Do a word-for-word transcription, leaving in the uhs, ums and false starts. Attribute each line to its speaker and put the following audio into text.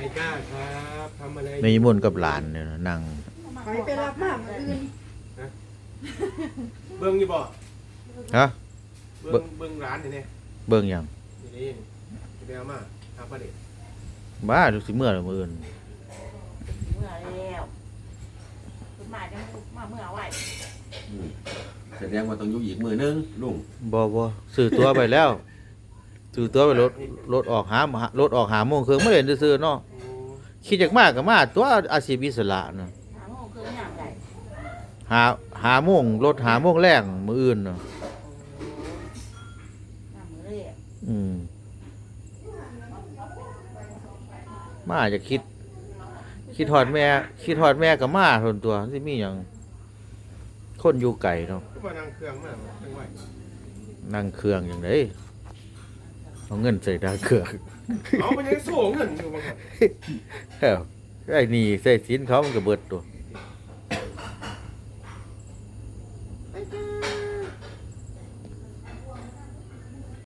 Speaker 1: ายก้าครับทำอะไร
Speaker 2: แม่ยมนกับหลานเนี่ยนะนั่ง
Speaker 3: ไปไปรับมากมื้ออื่น
Speaker 1: เบิ้งอยู่บ่
Speaker 2: ฮะ
Speaker 1: เบิ้งเบิ้งร้านนี่เนี่ย
Speaker 2: เบิ่งหยัง
Speaker 1: นี่นี่ไปเอามาหาประเด็น
Speaker 2: บ้าดูสิเมื่อละมื้ออื่น
Speaker 4: เมื่อแล้วคุณมาจังมาเมื่อไว้
Speaker 5: อืมแสดงว่าต้องอยู่อีกมือนึงลุง
Speaker 2: บ่บ่ซื้อตั๋วไปแล้วซื้อตั๋วไปรถรถออกหามรถออกหาโมงครึ่งมาเล่นซื่อๆเนาะ
Speaker 1: โอ้
Speaker 2: คิดจากมาก็มาตัวอาชีพอิสระน่ะ
Speaker 4: หาโมงคือยามใด
Speaker 2: หาหาโมงรถหาโมงแรงมื้ออื่นเนาะ
Speaker 4: ยามมื้อเรียก
Speaker 2: อืมมาจะคิด คิดฮอดแม่ คิดฮอดแม่ก็มาทนตัวสิมีหยังคนอยู่ไกลเนาะ
Speaker 1: ก็มานั่งเครื่องมาจังไหว
Speaker 2: นั่งเครื่องจังได๋เอาเงินใส่ดาวเครื่อง
Speaker 1: เอามันยังสูงเงินอยู่บางคน
Speaker 2: เอ้าไอ้นี่ใส่สินเขามันก็เบิดตัว